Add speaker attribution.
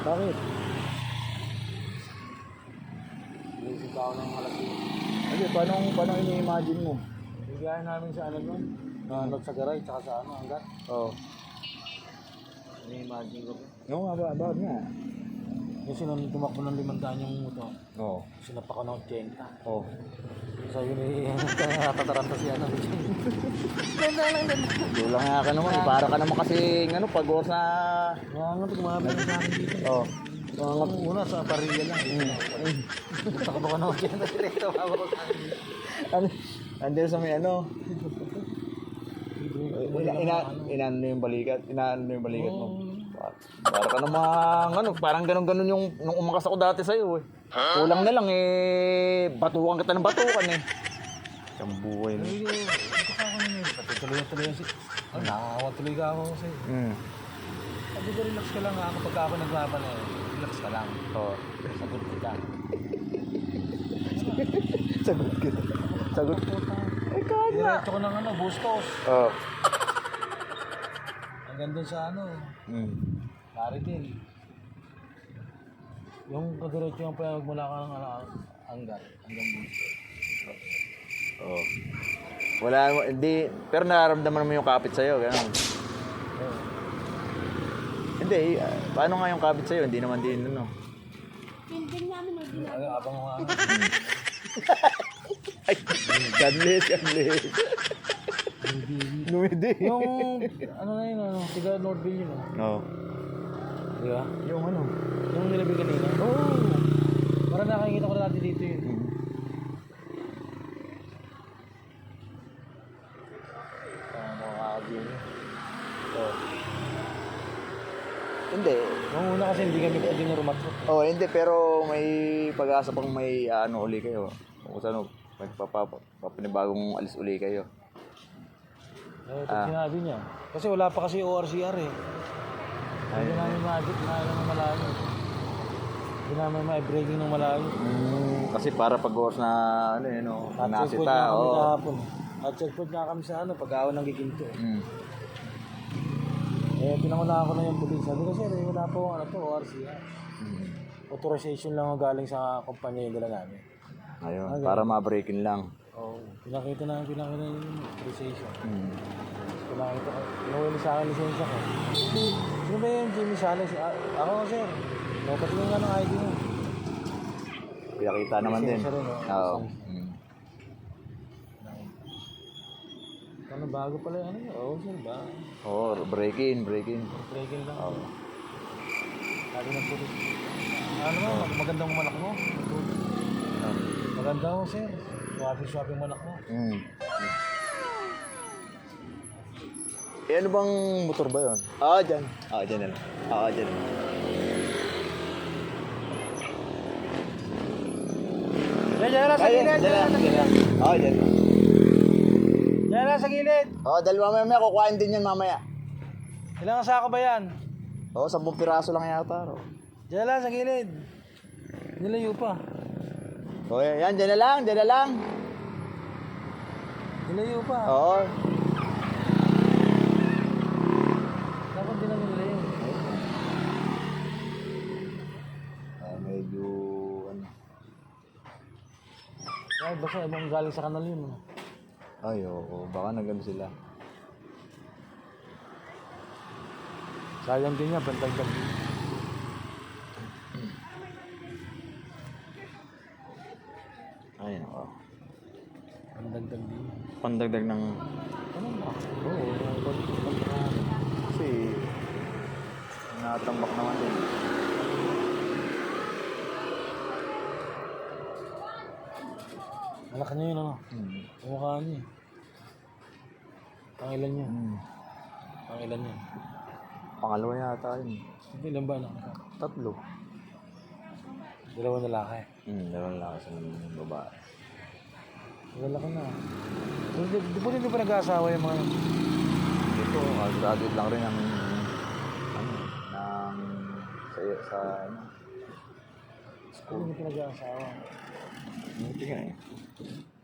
Speaker 1: Bakit? Iisip ako ng malaki. Hindi, paano ini-imagine mo? Bigyan namin sa ano nun? Not sa garay, tsaka sa ano, hanggat. Oo. Ini-imagine ko. Oo nga ba? Bakit nga? Kasi nung tumakbo ng 500 yung motor. Oo. Sinapa ko ng 80. Oo. Sabi ni natataranta siya ng 80. Ganda lang din. Dulang nga ka naman. Para ka naman kasi ano, pag-oras na... Mga tumabay na sa akin dito. Oo. Mga una sa parilla lang. Takbo ka ng 80 direkto. Tumabay ko sa akin dito. Andyan sa may ano. Inaano yung balikat. Inaano yung balikat mo. Para ka namang ano, parang ganun-ganun yung nung umakas ako dati sa'yo eh. Kulang na lang eh, batukan kita ng batukan eh. Isang buhay na. Ito ka ako naman. Tuloy-tuloy yan si... Nakakawa tuloy ka ako sa'yo. Sabi ko, relax ka lang ha. Kapag ako naglaban eh, relax ka lang. Oo. Sagot kita. Sagot kita. Sagot kita. Eh kahit na. Diretso ko ng ano, Bustos. Oo. Hanggang dun sa ano. Maritil. Yung kadiretso yung pala magmula ka ng hanggang Bustos. Oo. Wala mo, hindi, pero nararamdaman mo yung kapit sa'yo, gano'n. Hindi, paano nga yung kapit sa'yo? Hindi naman din, ano.
Speaker 2: Hindi namin ay ginagawa.
Speaker 1: Abang mo nga. Ay, godless. Numidi. Yung, ano na yun, ano, tiga Northville yun, Oo. Di ba? Yung ano? Yung nilabi kanina? Oo. Parang nakikita ko na natin dito yun. Makakabili niya. Oo. Hindi. Nung una kasi hindi nyo rumatrot. Oo, hindi. Pero may pag-asa pang may ano uli kayo. Kung saan papinibagong alis uli kayo. Eh, ito sinabi niya. Kasi wala pa kasi ORCR eh. Hindi namin ma-adit na malayo. Hindi namin ma-breaking ng malayo. Kasi para pag-oras na ano yun, no? Nasita. At checkpoint nga kami sa ano, pag-awan ng giginto. Eh, pinangunahan ko na yung pulis. Sabi ko, sir, wala po ano to, ORCR. Authorization lang ang galing sa kumpanya yung dala namin. Ayun, para ma-breaking lang. Oo, pinakita na yung authorization. Pinakita ko, pinuwili sa akin lisensya ko. Sino ba yung Jimmy Salas? Ako, sir. Patingin nga ng ID mo. Pinakita naman din. Oo. Ano, bago pala yung ano yun? Oo, sir, ba? Oo, break-in lang. Oo. Sabi ng pulis. Ano mo, magandang manak mo. Maganda mo, sir. Swapping manak mo. Eh, ano bang motor ba yun? Dyan. Dyan na lang. Dyan. Dyan lang sa gilid. Dyan. Dyan lang sa gilid. Dalawa mamaya. Kukuhain din yan mamaya. Ilang sako ba yan? 10 piraso lang yata. Dyan lang sa gilid. Nilayo pa. Yan. Dyan na lang. Nilayo pa. Oo. Dapat din namin nilayo. Medyo ano. Ay, basta ibang galing sa kanal yun. Ay, oo. Baka nagano sila. Sayang din niya, bantag-tag din. Ay, oo. Pandagdag din. Pandagdag ng... Ano ba? Oo, pandagdag. Kasi... natambak naman din. Malaki niya yun, ano? Kumukha niya. Pangilan niya. Pangilan niya. Pangalawa yata yun. Hindi, ilan ba na? 3. 2 lalaki. 2 lalaki sa babae. Lalaki na. Di ba nag-aasawa yung mga yun? Dito, graduate lang rin ng sa school. Hindi pa nag-aasawa. Hindi nga eh.